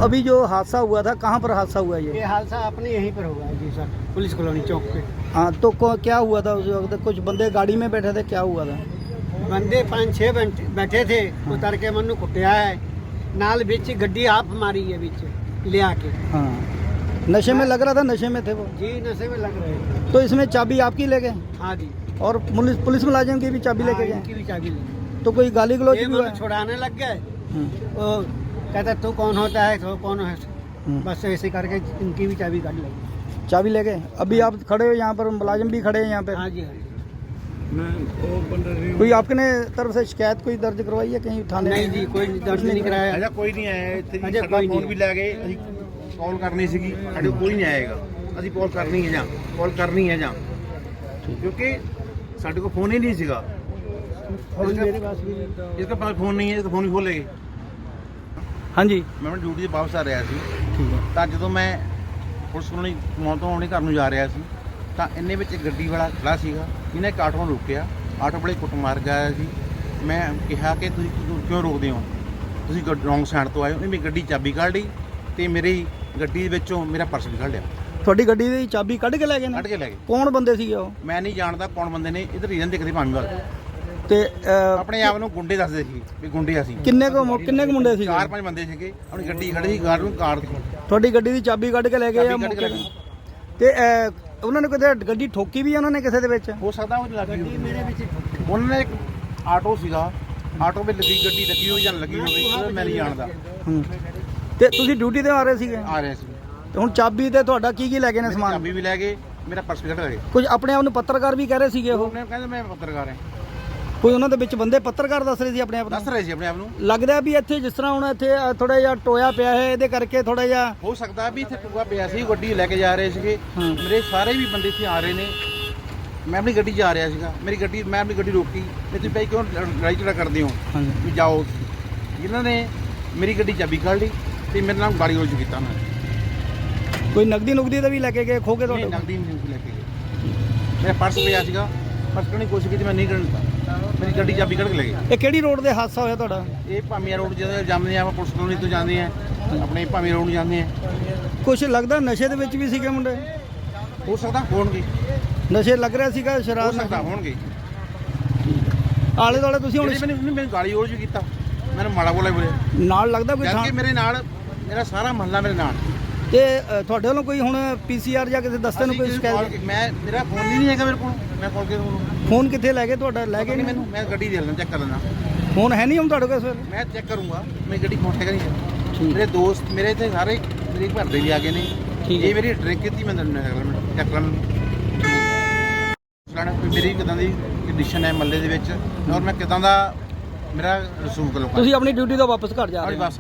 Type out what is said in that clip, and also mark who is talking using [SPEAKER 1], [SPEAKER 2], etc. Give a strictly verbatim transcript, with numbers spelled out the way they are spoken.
[SPEAKER 1] अभी जो हादसा हुआ था, कहाँ पर हादसा हुआ ये?
[SPEAKER 2] ये हादसा अपने यहीं पर हुआ है जी सर, पुलिस कॉलोनी चौक पे।
[SPEAKER 1] हाँ, तो को- क्या हुआ था उस वक्त? कुछ बंदे गाड़ी में बैठे थे, क्या हुआ था?
[SPEAKER 2] बंदे पाँच छः बैठे बैठे थे, उतर के मनु कुटिया है नाल बिच गड्डी आप मारी है बिच ले आके।
[SPEAKER 1] हाँ, नशे में लग रहा था, नशे में थे वो।
[SPEAKER 2] जी नशे में लग रहे थे।
[SPEAKER 1] तो इसमें चाबी आपकी ले गए
[SPEAKER 2] हाँ जी,
[SPEAKER 1] और पुलिस पुलिस मुलाजिम की भी चाबी लेके
[SPEAKER 2] हाँ,
[SPEAKER 1] गए?
[SPEAKER 2] इनकी भी चाबी ली।
[SPEAKER 1] तो कोई गाली गलौज
[SPEAKER 2] ये
[SPEAKER 1] भी हुआ?
[SPEAKER 2] मनु छुड़ाने लग गए,
[SPEAKER 1] हम्म,
[SPEAKER 2] वो कहता तू कौन होता है, तो कौन है,
[SPEAKER 1] हम्म।
[SPEAKER 2] बस ऐसे करके इनकी भी चाबी काट लगी।
[SPEAKER 1] चाबी ले गए। अभी आप खड़े हो यहाँ पर, मुलाजिम भी खड़े हैं यहाँ पे।
[SPEAKER 2] हाँ जी हाँ जी।
[SPEAKER 1] कोई आपने तरफ से शिकायत कोई दर्ज करवाई है कहीं थाने?
[SPEAKER 2] नहीं जी, कोई दर्ज नहीं कराया।
[SPEAKER 3] ਅਜਾ ਕੋਈ ਨਹੀਂ ਆਇਆ ਇੱਥੇ ਜੀ।
[SPEAKER 2] ਅਜੇ
[SPEAKER 3] ਸਾਡਾ
[SPEAKER 2] ਕੋਈ
[SPEAKER 3] ਫੋਨ
[SPEAKER 2] ਨਹੀਂ
[SPEAKER 3] ਵੀ ਲੈ ਗਏ, ਅਸੀਂ ਕਾਲ ਕਰਨੀ ਸੀਗੀ, ਸਾਡੇ ਕੋਲ ਕੋਈ ਨਹੀਂ ਆਏਗਾ। ਅਸੀਂ ਕਾਲ ਕਰਨੀ ਹੈ ਜਾਂ ਕਾਲ ਕਰਨੀ ਹੈ ਜਾਂ ਕਿਉਂਕਿ ਸਾਡੇ ਕੋਲ ਫੋਨ ਹੀ ਨਹੀਂ ਸੀਗਾ।
[SPEAKER 2] फोन मेरे पास भी नहीं था।
[SPEAKER 3] ਇਸਕੇ ਪਾਸ ਫੋਨ ਨਹੀਂ ਹੈ, ਇਸ ਫੋਨ ਵੀ ਖੋਲ ਲਏ।
[SPEAKER 1] हाँ जी,
[SPEAKER 3] ਮੈਂ ਆਪਣੀ ਡਿਊਟੀ ਤੇ ਵਾਪਸ ਆ ਰਿਹਾ ਸੀ
[SPEAKER 1] ठीक है।
[SPEAKER 3] ਤਾਂ ਜਦੋਂ ਮੈਂ ਪੁਲਿਸ ਕੋਲੋਂ ਮੌਤ ਤੋਂ ਆਪਣੇ ਘਰ ਨੂੰ ਜਾ ਰਿਹਾ ਸੀ ਤਾਂ ਇੰਨੇ ਵਿੱਚ ਇੱਕ ਗੱਡੀ ਵਾਲਾ ਖੜਾ ਸੀਗਾ, ਇਹਨੇ ਇੱਕ ਆਟੋ ਨੂੰ ਰੋਕਿਆ। ਆਟੋ ਵਾਲੇ ਕੁੱਟ ਮਾਰ ਗਿਆ ਸੀ। ਮੈਂ ਕਿਹਾ ਕਿ ਤੁਸੀਂ ਕਿਉਂ- ਕਿਉਂ ਰੋਕਦੇ ਹੋ, ਤੁਸੀਂ ਰੌਂਗ ਸਾਈਡ ਤੋਂ ਆਏ ਹੋ। ਉਹਨੇ ਮੇਰੀ ਗੱਡੀ ਚਾਬੀ ਕੱਢ ਲਈ ਤੇ ਮੇਰੀ ਗੱਡੀ ਵਿੱਚੋਂ ਮੇਰਾ ਪਰਸ ਵੀ ਕੱਢ ਲਿਆ,
[SPEAKER 1] ਤੁਹਾਡੀ ਗੱਡੀ ਦੀ ਚਾਬੀ ਕੱਢ ਕੇ ਲੈ ਗਏ
[SPEAKER 3] ਕੱਢ
[SPEAKER 1] ਨੇ?
[SPEAKER 3] ਕੇ ਲੈ ਗਏ।
[SPEAKER 1] ਕੌਣ ਬੰਦੇ ਸੀਗੇ ਉਹ?
[SPEAKER 3] ਮੈਂ ਨਹੀਂ ਜਾਣਦਾ ਕੌਣ ਬੰਦੇ ਨੇ, ਇਧਰ ਰੀਜਨ ਦਿਖਦੇ ਭਾਵੇਂ ਵੱਲ
[SPEAKER 1] ਤੇ ਅਹ,
[SPEAKER 3] ਆਪਣੇ ਆਪ ਨੂੰ ਗੁੰਡੇ ਦੱਸਦੇ ਸੀ ਵੀ ਗੁੰਡੇ ਅਸੀਂ।
[SPEAKER 1] ਕਿੰਨੇ ਕੁ ਮੁ- ਕਿੰਨੇ ਕੁ ਮੁੰਡੇ ਸੀਗੇ?
[SPEAKER 3] ਚਾਰ ਪੰਜ ਬੰਦੇ ਸੀਗੇ, ਆਪਣੀ ਗੱਡੀ ਖੜੀ ਸੀ, ਕਾਰ ਨੂੰ ਕਾਰ
[SPEAKER 1] ਤੁਹਾਡੀ ਗੱਡੀ ਦੀ ਚਾਬੀ ਕੱਢ ਕੇ ਲੈ ਗਏ ਆ
[SPEAKER 3] ਚਾਬੀ ਕੱਢ ਕੇ
[SPEAKER 1] ਮੌਕੇ
[SPEAKER 3] ਲੈ
[SPEAKER 1] ਤੇ? ਤੇ ਅਹ, ਉਹਨਾਂ ਨੇ ਕਿਤੇ ਗੱਡੀ ਠੋਕੀ ਵੀ ਆ ਉਹਨਾਂ ਨੇ ਕਿਸੇ ਦੇ ਵਿੱਚ?
[SPEAKER 3] ਹੋ ਸਕਦਾ ਉਹ ਲੱਗੀ
[SPEAKER 2] ਗੱਡੀ
[SPEAKER 3] ਹੋਵੇ।
[SPEAKER 2] मेरे पीछे
[SPEAKER 3] ਉਹਨਾਂ ਨੇ ਇੱਕ ਆਟੋ ਸੀਗਾ, ਆਟੋ ਵਿੱਚ ਲੱਗੀ ਗੱਡੀ ਲੱਗੀ ਹੋਈ ਜਾਂ ਲੱਗੀ ਹੋਵੇ ਉਹ ਮੈਂ ਨਹੀਂ ਜਾਣਦਾ।
[SPEAKER 1] ਹੂੰ। ਤੇ ਤੁਸੀਂ ਡਿਊਟੀ ਤੇ ਆ ਰਹੇ ਸੀਗੇ
[SPEAKER 3] ਆ ਰਿਹਾ ਸੀ,
[SPEAKER 1] ਤੇ ਹੁਣ ਚਾਬੀ ਤੇ ਤੁਹਾਡਾ ਕੀ ਕੀ ਲੈ ਗਏ ਨੇ
[SPEAKER 3] ਮੇਰੀ
[SPEAKER 1] ਸਮਾਨ?
[SPEAKER 3] ਚਾਬੀ ਵੀ ਲੈ ਗਏ, ਮੇਰਾ ਪਰਸ ਵੀ ਕੱਢ ਲਏ।
[SPEAKER 1] ਕੁਝ ਆਪਣੇ ਆਪ ਨੂੰ ਪੱਤਰਕਾਰ ਵੀ ਕਹਿ ਰਹੇ ਸੀਗੇ ਉਹ?
[SPEAKER 3] ਉਹਨੇ ਕਹਿੰਦੇ ਮੈਂ ਪੱਤਰਕਾਰ ਹਾਂ,
[SPEAKER 1] ਕੋਈ ਉਹਨਾਂ ਦੇ ਵਿੱਚ ਬੰਦੇ ਪੱਤਰਕਾਰ ਦੱਸ ਰਹੇ ਸੀ ਆਪਣੇ ਆਪ
[SPEAKER 3] ਦੱਸ
[SPEAKER 1] ਨੂੰ?
[SPEAKER 3] ਰਹੇ ਸੀ ਆਪਣੇ ਆਪ ਨੂੰ।
[SPEAKER 1] ਲੱਗਦਾ ਵੀ ਇੱਥੇ ਜਿਸ ਤਰ੍ਹਾਂ ਹੁਣ ਇੱਥੇ ਥੋੜਾ ਜਿਹਾ ਟੋਇਆ ਪਿਆ ਹੈ, ਇਹਦੇ ਕਰਕੇ ਥੋੜਾ ਜਿਹਾ
[SPEAKER 3] ਹੋ ਸਕਦਾ ਵੀ ਇੱਥੇ ਟੂਆ ਪਿਆ ਸੀ, ਗੱਡੀ ਲੈ ਕੇ ਜਾ ਰਹੇ ਸੀਗੇ।
[SPEAKER 1] ਹਾਂ।
[SPEAKER 3] ਮੇਰੇ ਸਾਰੇ ਵੀ ਬੰਦੇ ਇੱਥੇ ਆ ਰਹੇ ਨੇ, ਮੈਂ ਆਪਣੀ ਗੱਡੀ 'ਚ ਆ ਰਿਹਾ ਸੀਗਾ। ਮੇਰੀ ਗੱਡੀ ਮੈਂ ਆਪਣੀ ਗੱਡੀ ਰੋਕੀ, ਵੀ ਤੁਸੀਂ ਭਾਈ ਕਿਉਂ ਲੜਾਈ ਝਗੜਾ ਕਰਦੇ ਹੋ,
[SPEAKER 1] ਹਾਂਜੀ।
[SPEAKER 3] ਵੀ ਜਾਓ। ਇਹਨਾਂ ਨੇ ਮੇਰੀ ਗੱਡੀ ਚਾਬੀ ਕੱਢ ਲਈ ਤੇ ਮੇਰੇ ਨਾਲ ਗਾੜੀ ਰੋਜ ਕੀਤਾ ਉਹਨਾਂ ਨੇ।
[SPEAKER 1] ਕੋਈ ਨਗਦੀ ਨੁਗਦੀ ਦਾ ਵੀ ਲੈ ਕੇ ਗਏ, ਖੋ ਕੇ
[SPEAKER 3] ਨਹੀਂ,
[SPEAKER 1] ਤੁਹਾਡੇ?
[SPEAKER 3] ਨਗਦੀ ਨਹੀਂ ਲੈ ਕੇ ਗਏ। ਮੇਰਾ ਪਰਸ ਪਿਆ ਸੀਗਾ, ਪਰਸ ਕੱਢਣ ਦੀ ਕੋਸ਼ਿਸ਼ ਕੀਤੀ, ਮੈਂ ਨਹੀਂ ਕੱਢਣ ਦਿੱਤਾ। ਮੇਰੀ ਗੱਡੀ ਚਾਬੀ ਕੱਢ ਕੇ ਲੈ ਗਏ।
[SPEAKER 1] ਇਹ ਕਿਹੜੀ ਰੋਡ ਤੇ ਹਾਦਸਾ ਹੋਇਆ ਤੁਹਾਡਾ?
[SPEAKER 3] ਇਹ ਭਾਮੀਆਂ ਰੋਡ ਜਦੋਂ ਜਾਂਦੇ ਆ, ਆਪਾਂ ਪੁਲਿਸ ਕਲੋਨੀ ਤੋਂ ਜਾਂਦੇ ਆ, ਆਪਣੇ ਭਾਮੀਆਂ ਰੋਡ ਨੂੰ ਜਾਂਦੇ ਆ।
[SPEAKER 1] ਕੁਝ ਲੱਗਦਾ ਨਸ਼ੇ ਦੇ ਵਿੱਚ ਵੀ ਸੀਗੇ ਮੁੰਡੇ?
[SPEAKER 3] ਹੋ ਸਕਦਾ ਹੋਣਗੇ,
[SPEAKER 1] ਨਸ਼ੇ ਲੱਗ ਰਿਹਾ ਸੀਗਾ,
[SPEAKER 3] ਹੋ
[SPEAKER 1] ਸ਼ਰਾਬ
[SPEAKER 3] ਸਕਦਾ ਹੋਣਗੇ।
[SPEAKER 1] ਆਲੇ ਦੁਆਲੇ ਤੁਸੀਂ ਹੁਣ
[SPEAKER 3] ਇਹਨੇ ਮੈਨੂੰ ਮੈਨੂੰ ਗਾਲੀ ਰੋਜ ਵੀ ਕੀਤਾ, ਮੈਨੂੰ ਮਾੜਾ ਬੋਲਿਆ ਬੋਲੇ।
[SPEAKER 1] ਨਾਲ ਲੱਗਦਾ ਕੋਈ
[SPEAKER 3] ਜਦ
[SPEAKER 1] ਥਾਂ
[SPEAKER 3] ਕਿ ਮੇਰੇ ਨਾਲ ਮੇਰਾ ਸਾਰਾ ਮਹੱਲਾ ਮੇਰੇ ਨਾਲ।
[SPEAKER 1] ਤੇ ਅ, ਤੁਹਾਡੇ ਵੱਲੋਂ ਕੋਈ ਹੁਣ ਪੀਸੀਆਰ ਜਾਂ ਕਿਸੇ ਦਸਤੇ ਨੂੰ
[SPEAKER 3] ਅਸੀਂ
[SPEAKER 1] ਕੋਈ
[SPEAKER 3] ਕਿਸੇ
[SPEAKER 1] ਸ਼ਿਕਾਇਤ?
[SPEAKER 3] call- ਮੈਂ ਮੇਰਾ ਫੋਨ ਹੀ ਨਹੀਂ ਹੈਗਾ ਮੇਰੇ ਕੋਲ, ਮੈਂ ਕਾਲ ਕੇ ਤੁਹਾਨੂੰ
[SPEAKER 1] ਫੋਨ ਕਿੱਥੇ ਲੈ ਗਏ ਤੁਹਾਡਾ? ਲੈ ਗਏ
[SPEAKER 3] ਨਹੀਂ,
[SPEAKER 1] ਨਹੀਂ?
[SPEAKER 3] ਮੈਨੂੰ ਮੈਂ ਗੱਡੀ ਦੇ ਲੈਣਾ, ਚੈੱਕ ਕਰ ਲੈਣਾ।
[SPEAKER 1] ਫੋਨ ਹੈ ਨਹੀਂ ਹੁਣ ਤੁਹਾਡੇ ਕੋਲ ਇਸ ਵੇਲੇ?
[SPEAKER 3] ਮੈਂ ਚੈੱਕ ਕਰੂੰਗਾ, ਮੇਰੀ ਗੱਡੀ ਫੋਨ ਹੈਗਾ ਨਹੀਂ।
[SPEAKER 1] ਠੀਕ।
[SPEAKER 3] ਮੇਰੇ ਦੋਸਤ ਮੇਰੇ ਇੱਥੇ ਸਾਰੇ ਮੇਰੇ ਘਰ ਦੇ ਵੀ ਆ ਗਏ ਨੇ।
[SPEAKER 1] ਠੀਕ।
[SPEAKER 3] ਇਹ ਮੇਰੀ ਡਰਿੰਕ ਕੀਤੀ, ਮੈਂ ਤੁਹਾਨੂੰ ਚੈੱਕ ਕਰ ਲੈਣਾ। ਸੁਣਾਣਾ ਮੇਰੀ ਕਿਦਾਂ ਦੀ ਕੰਡੀਸ਼ਨ ਹੈ ਮੱਲੇ ਦੇ ਵਿੱਚ, ਔਰ ਮੈਂ ਕਿਦਾਂ ਦਾ ਮੇਰਾ ਰਸੂਖ ਲੋਕਾਂ
[SPEAKER 1] ਤੁਸੀਂ ਆਪਣੀ ਡਿਊਟੀ ਤੋਂ ਵਾਪਸ ਘਰ ਜਾ
[SPEAKER 3] ਆਪਣੀ
[SPEAKER 1] ਰਹੇ ਹੋ?
[SPEAKER 3] ਬੱਸ